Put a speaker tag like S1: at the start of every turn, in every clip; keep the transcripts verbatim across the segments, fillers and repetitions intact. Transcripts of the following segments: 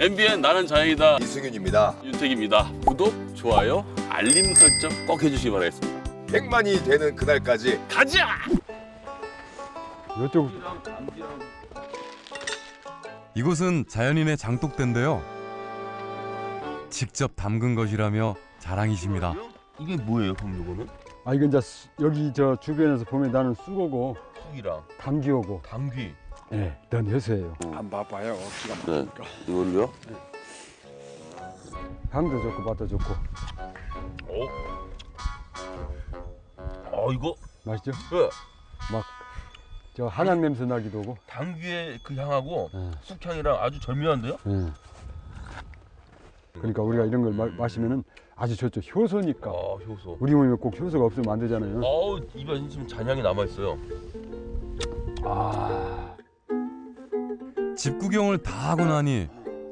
S1: 엠비엔 나는 자연이다.
S2: 이승윤입니다.
S1: 윤택입니다. 구독, 좋아요, 알림 설정 꼭 해주시기 바라겠습니다.
S2: 백만이 되는 그날까지
S1: 가자!
S3: 이쪽
S4: 이곳은 자연인의 장독대인데요. 직접 담근 것이라며 자랑이십니다.
S5: 이게 뭐예요, 그럼 이거는?
S3: 아 이건 이제 수- 여기 저 주변에서 보면 나는 쑥어고
S5: 쑥이랑
S3: 당귀하고
S5: 당귀.
S3: 예, 넌 해수예요.
S2: 안 봐봐요. 기가
S1: 네, 이걸로요?
S3: 향도 좋고 맛도 좋고
S5: 어? 어 이거
S3: 맛있죠?
S5: 그
S3: 막 저 한약 냄새 나기도 하고.
S5: 당귀의 그 향하고
S3: 예,
S5: 쑥향이랑 아주 절묘한데요?
S3: 예. 그러니까 우리가 이런 걸 마, 마시면은 아주 좋죠. 효소니까.
S5: 아 효소.
S3: 우리 몸에 꼭 효소가 없으면 안 되잖아요.
S5: 어우 입에 지금 잔향이 남아 있어요.
S3: 아,
S4: 집 구경을 다 하고 나니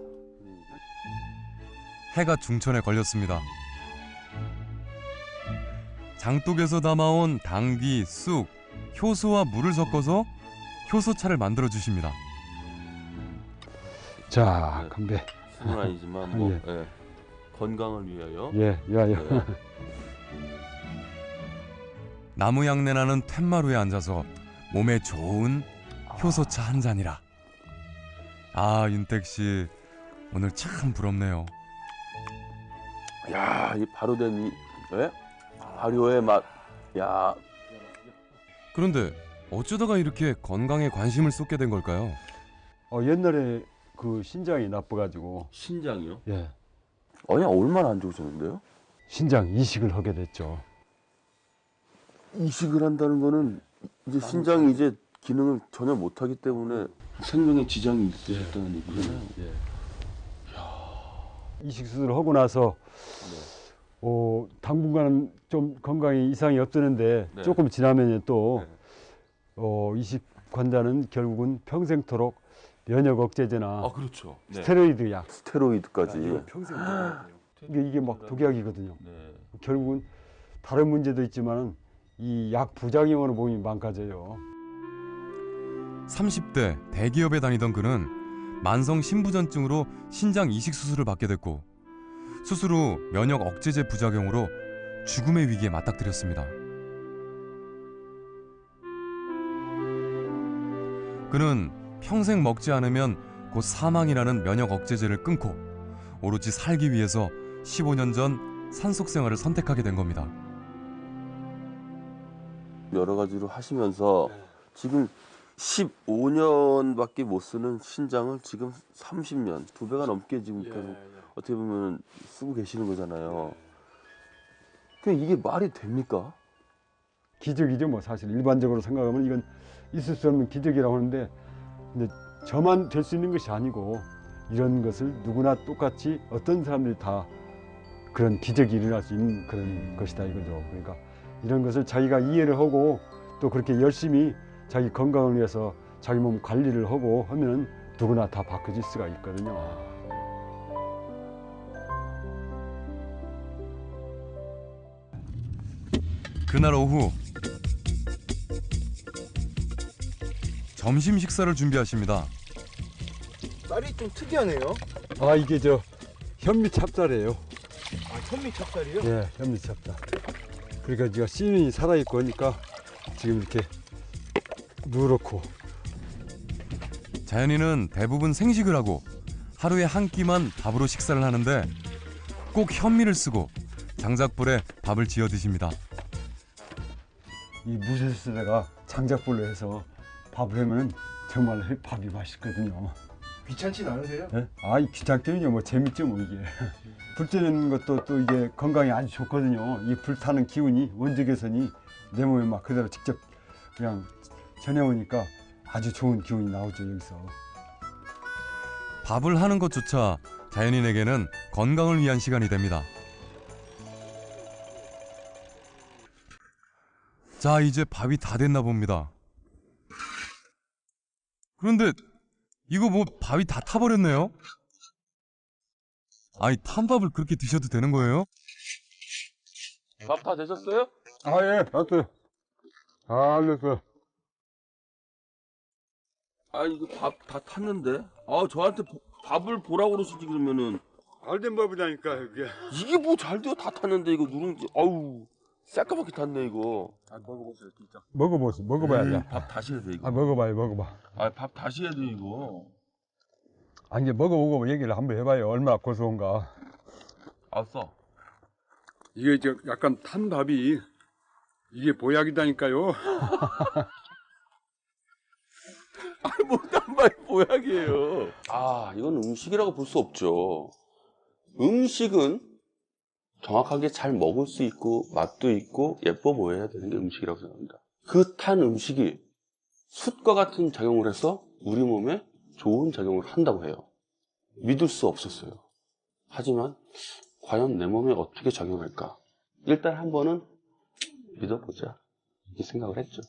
S4: 해가 중천에 걸렸습니다. 장독에서 담아온 당귀, 쑥, 효소와 물을 섞어서 효소차를 만들어 주십니다.
S3: 자 건배.
S5: 술은 아니지만 뭐
S3: 예.
S5: 예. 건강을 위하여.
S3: 예, 야야.
S5: 네.
S4: 나무 향내 나는 툇마루에 앉아서 몸에 좋은 효소차 한 잔이라. 아, 윤택 씨 오늘 참 부럽네요.
S1: 야, 이 발효된 이, 예? 발효의 맛. 야,
S4: 그런데 어쩌다가 이렇게 건강에 관심을 쏟게 된 걸까요?
S3: 어 옛날에 그 신장이 나빠가지고
S5: 신장이요?
S3: 예,
S1: 아니 얼마나 안 좋으셨는데요?
S3: 신장 이식을 하게 됐죠.
S1: 이식을 한다는 거는 이제 신장이 이제 기능을 전혀 못하기 때문에 생명에 지장이 있으셨다는 얘기잖아요.
S3: 예. 이식 수술을 하고 나서 어, 당분간은 좀 건강에 이상이 없었는데
S5: 네.
S3: 조금 지나면 또
S5: 네.
S3: 어, 이식 환자는 결국은 평생토록 면역 억제제나
S5: 아 그렇죠. 네.
S3: 스테로이드 약
S1: 스테로이드까지.
S3: 평생 먹어야 돼요. 이게, 이게 막 독약이거든요.
S5: 네.
S3: 결국은 다른 문제도 있지만 이 약 부작용으로 몸이 망가져요.
S4: 삼십 대 대기업에 다니던 그는 만성 신부전증으로 신장 이식 수술을 받게 됐고 수술 후 면역 억제제 부작용으로 죽음의 위기에 맞닥뜨렸습니다. 그는 평생 먹지 않으면 곧 사망이라는 면역 억제제를 끊고 오로지 살기 위해서 십오 년 전 산속 생활을 선택하게 된 겁니다.
S1: 여러 가지로 하시면서 지금 십오 년밖에 못 쓰는 신장을 지금 삼십 년, 두 배가 넘게 지금 계속 어떻게 보면 쓰고 계시는 거잖아요. 그 이게 말이 됩니까?
S3: 기적이죠. 뭐 사실 일반적으로 생각하면 이건 있을 수 없는 기적이라고 하는데 근데 저만 될 수 있는 것이 아니고 이런 것을 누구나 똑같이 어떤 사람들이 다 그런 기적이 일어날 수 있는 그런 것이다 이거죠. 그러니까 이런 것을 자기가 이해를 하고 또 그렇게 열심히 자기 건강을 위해서 자기 몸 관리를 하고 하면 누구나 다 바꿔질 수가 있거든요.
S4: 그날 오후 점심 식사를 준비하십니다.
S6: 쌀이 좀 특이하네요.
S3: 아 이게 저 현미 찹쌀이에요.
S6: 아, 현미 찹쌀이요?
S3: 예, 현미 찹쌀. 그러니까 제가 씨름이 살아있고 하니까 지금 이렇게 누렇고.
S4: 자연이는 대부분 생식을 하고 하루에 한 끼만 밥으로 식사를 하는데 꼭 현미를 쓰고 장작불에 밥을 지어 드십니다.
S3: 이 무쇠수레가 장작불로 해서 밥을 하면 정말 밥이 맛있거든요.
S6: 귀찮진 않으세요?
S3: 예? 아, 이 귀찮기는요, 뭐 재밌죠, 뭐 이게. 불 떼는 것도 또 이게 건강에 아주 좋거든요. 이 불타는 기운이 원적 개선이 내 몸에 막 그대로 직접 그냥 전해오니까 아주 좋은 기운이 나오죠 여기서.
S4: 밥을 하는 것조차 자연인에게는 건강을 위한 시간이 됩니다. 자, 이제 밥이 다 됐나 봅니다. 그런데 이거 뭐 밥이 다 타버렸네요? 아니, 탄 밥을 그렇게 드셔도 되는 거예요?
S1: 밥 다 되셨어요?
S3: 아, 예, 됐어요. 아, 됐어요.
S5: 아 이거 밥 다 탔는데. 아 저한테 보-
S1: 밥을 보라고 그러시지 그러면은.
S3: 알된 법이라니까 이게.
S1: 이게 뭐 잘 돼요? 다 탔는데 이거 누룽지. 아우 새까맣게 탔네 이거.
S3: 아, 먹어보세요 진짜. 먹어보세요. 먹어봐야 돼.
S1: 밥 다시 해야 돼 이거.
S3: 아 먹어봐요 먹어봐.
S1: 아 밥 다시 해야 돼 이거.
S3: 아 이제 먹어보고 얘기를 한번 해봐요. 얼마나 고소한가.
S1: 알았어.
S3: 이게 저 약간 탄 밥이 이게 보약이다니까요.
S1: 아니 뭐딴 말이 보약이에요. 아 이건 음식이라고 볼 수 없죠. 음식은 정확하게 잘 먹을 수 있고 맛도 있고 예뻐 보여야 되는 게 음식이라고 생각합니다. 그 탄 음식이 숯과 같은 작용을 해서 우리 몸에 좋은 작용을 한다고 해요. 믿을 수 없었어요. 하지만 과연 내 몸에 어떻게 작용할까? 일단 한 번은 믿어보자 이렇게 생각을 했죠.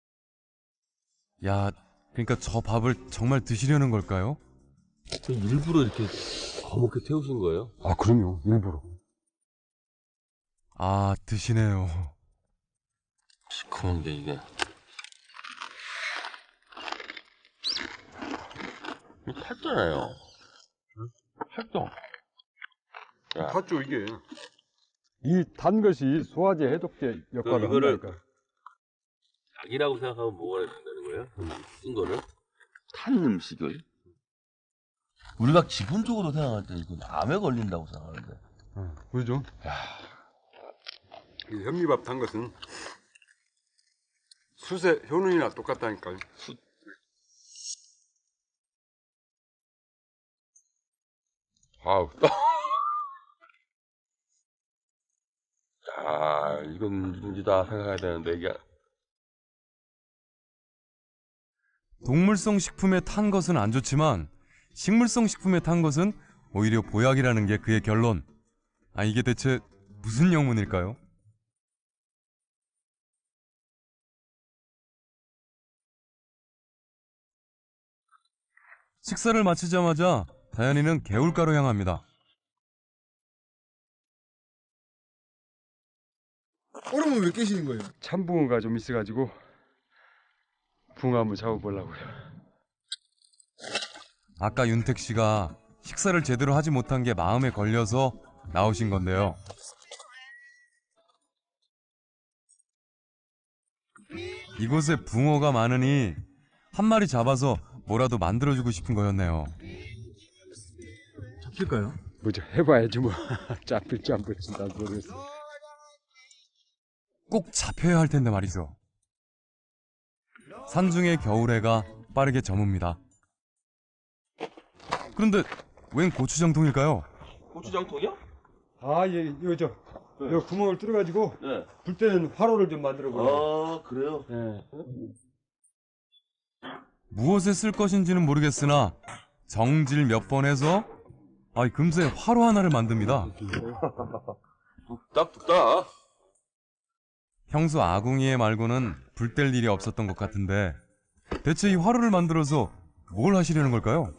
S4: 야, 그러니까 저 밥을 정말 드시려는 걸까요?
S1: 일부러 이렇게 거먹게 태우신 거예요?
S3: 아 그럼요. 일부러.
S4: 아, 드시네요.
S1: 시커먼 게 이게 탔잖아요. 탔죠.
S3: 탔죠 이게. 이 단 것이 소화제 해독제 역할을
S1: 그럼 이거를-
S3: 한다니까.
S1: 약이라고 생각하면 뭐가 된다는 거예요? 쓴 거를 탄 음식을 우리가 기본적으로 생각할 때 이건 암에 걸린다고 생각하는데
S3: 어, 그죠? 이 현미밥 탄 것은 숯의 효능이나 똑같다니까요.
S1: 아우 아 이건 누군지다 생각해야 되는데 이게
S4: 동물성 식품에 탄 것은 안 좋지만 식물성 식품에 탄 것은 오히려 보약이라는 게 그의 결론. 아, 이게 대체 무슨 영문일까요? 식사를 마치자마자 다현이는 개울가로 향합니다.
S6: 얼음은 왜 깨시는 거예요?
S3: 참붕어가 좀 있어가지고 붕어 한번 잡아보려고요.
S4: 아까 윤택 씨가 식사를 제대로 하지 못한 게 마음에 걸려서 나오신 건데요. 이곳에 붕어가 많으니 한 마리 잡아서 뭐라도 만들어주고 싶은 거였네요.
S6: 잡힐까요?
S3: 뭐죠? 해봐야지 뭐. 잡힐지 안 잡힐지 난 모르겠어.
S4: 꼭 잡혀야 할 텐데 말이죠. 산중의 겨울해가 빠르게 저뭅니다. 그런데 웬 고추장통일까요?
S1: 고추장통이요?
S3: 아, 예, 이거 저, 이 구멍을 뚫어가지고
S1: 네.
S3: 불 때는 화로를 좀 만들어 보려고.
S1: 아 그래요?
S3: 예.
S4: 무엇에 쓸 것인지는 모르겠으나 정질 몇 번 해서 아, 금세 화로 하나를 만듭니다.
S1: 뚝딱뚝딱.
S4: 형수 아궁이에 말고는 불 뗄 일이 없었던 것 같은데 대체 이 화로를 만들어서 뭘 하시려는 걸까요?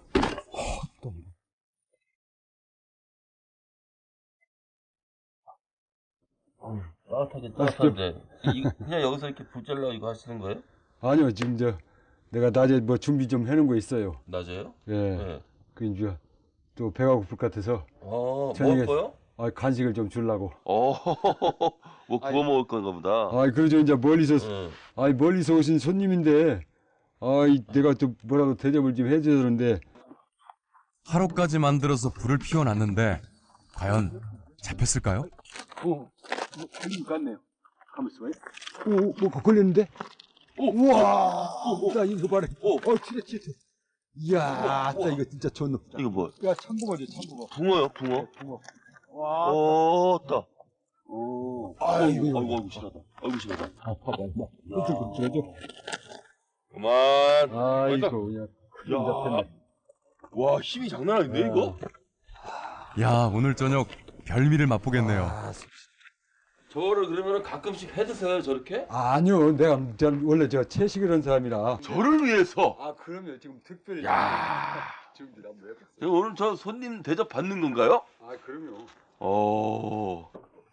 S1: 따뜻하게 따뜻한데 이, 그냥 여기서 이렇게 불 잘라 이거 하시는 거예요?
S3: 아니요, 지금 저, 내가 낮에 뭐 준비 좀 해놓은 거 있어요.
S1: 낮에요?
S3: 예.
S1: 네.
S3: 그 이제 또 배가 고플 것 같아서
S1: 어
S3: 저녁에-
S1: 먹을 거요?
S3: 아, 간식을 좀 주려고.
S1: 어, 뭐 구워 먹을 건가 보다.
S3: 아, 그러죠. 이제 멀리서,
S1: 응.
S3: 아이, 멀리서 오신 손님인데, 아이, 내가 또 뭐라도 대접을 좀 해줘야 되는데,
S4: 화로까지 만들어서 불을 피워놨는데 과연 잡혔을까요?
S3: 어, 뭐, 걸린 것 같네요. 가만있어 봐요. 오, 뭐, 걸렸는데? 오, 우와! 나 이거 봐라.
S1: 오.
S3: 어, 치래, 치래. 이야, 나 이거 진짜 좋노.
S1: 이거 뭐?
S3: 야, 참붕어죠, 참붕어.
S1: 붕어요, 붕어.
S3: 붕어. 와.
S1: 오, 따.
S3: 오.
S1: 아이고, 아이고, 아이고, 심하다. 아이고, 심하다.
S3: 아, 봐봐, 뭐. 끄적끄적해져.
S1: 그만.
S3: 아이고, 그냥 큰일 잡혔네.
S1: 와, 힘이 장난 아닌데, 이거?
S4: 야, 오늘 저녁 별미를 맛보겠네요.
S1: 저를 그러면 가끔씩 해 드세요, 저렇게?
S3: 아, 아니요, 내가 저 원래 저 채식을 한 사람이라.
S1: 저를 위해서.
S3: 아, 그러면 지금 특별히.
S1: 야.
S3: 준비를 한번 해봤어요.
S1: 지금 오늘 저 손님 대접 받는 건가요?
S3: 아, 그럼요.
S1: 어.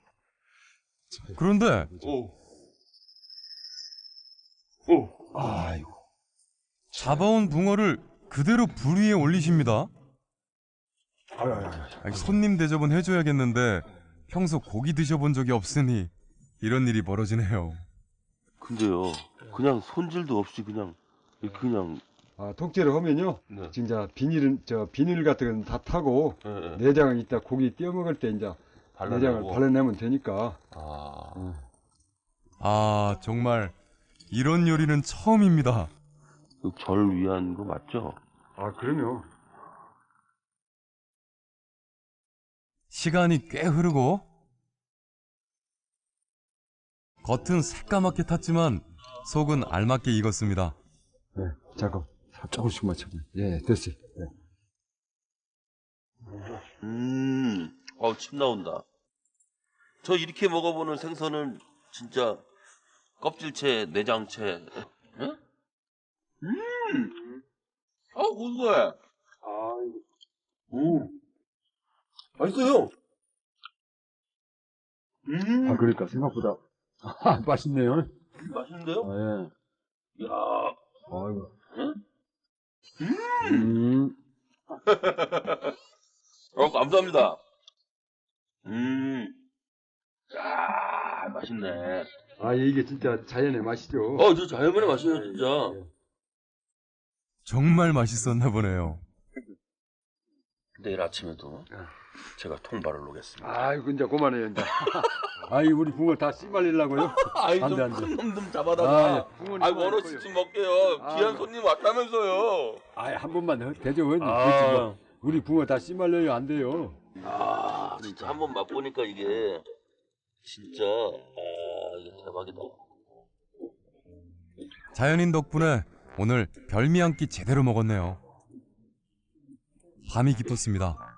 S4: 그런데
S1: 오. 오. 아이고.
S4: 잡아온 붕어를 그대로 불 위에 올리십니다.
S3: 아유, 아유, 아유.
S4: 아니, 손님 대접은 해줘야겠는데 평소 고기 드셔본 적이 없으니 이런 일이 벌어지네요.
S1: 근데요, 그냥 손질도 없이 그냥 이렇게 그냥
S3: 아, 통째로 하면요.
S1: 네.
S3: 진짜 비닐은 저 비닐 같은 건 다 타고
S1: 예, 예.
S3: 내장을 이따 고기 띄어 먹을 때 이제 내장을
S1: 발라내고.
S3: 발라내면 되니까.
S1: 아,
S4: 아 정말 이런 요리는 처음입니다.
S1: 이거 절 위한 거 맞죠?
S3: 아, 그럼요.
S4: 시간이 꽤 흐르고 겉은 새까맣게 탔지만 속은 알맞게 익었습니다.
S3: 네, 잠깐 조금씩만 쳐봐. 예, 됐어요. 네.
S1: 음, 어, 침 나온다. 저 이렇게 먹어보는 생선은 진짜 껍질채, 내장채. 응? 음, 아, 고소해.
S3: 아,
S1: 음, 맛있어요. 음,
S3: 아, 그러니까 생각보다 아, 맛있네요.
S1: 맛있는데요?
S3: 아, 예.
S1: 야,
S3: 아이고.
S1: 응?
S3: 음.
S1: 어, 감사합니다. 음, 야, 맛있네.
S3: 아, 이게 진짜 자연의 맛이죠.
S1: 어, 저 자연분의 맛이에요, 진짜.
S4: 정말 맛있었나 보네요.
S1: 내일 아침에도 제가 통발을 놓겠습니다.
S3: 아이고, 이제 그만해요, 이제. 아이, 우리 붕어 다 씨말리려고요?
S1: 아이,
S3: 안 돼, 안 돼.
S1: 좀큰놈 좀 잡아다가.
S3: 붕어는
S1: 아이,
S3: 그만
S1: 원호
S3: 있고요.
S1: 씨좀 먹게요.
S3: 아,
S1: 귀한
S3: 뭐.
S1: 손님 왔다면서요.
S3: 아이, 한 번만 대접은
S1: 아.
S3: 우리 붕어 다 씨말려요, 안 돼요.
S1: 아, 진짜 한 번 맛보니까 이게 진짜 아, 이게 대박이다.
S4: 자연인 덕분에 오늘 별미 한 끼 제대로 먹었네요. 밤이 깊었습니다.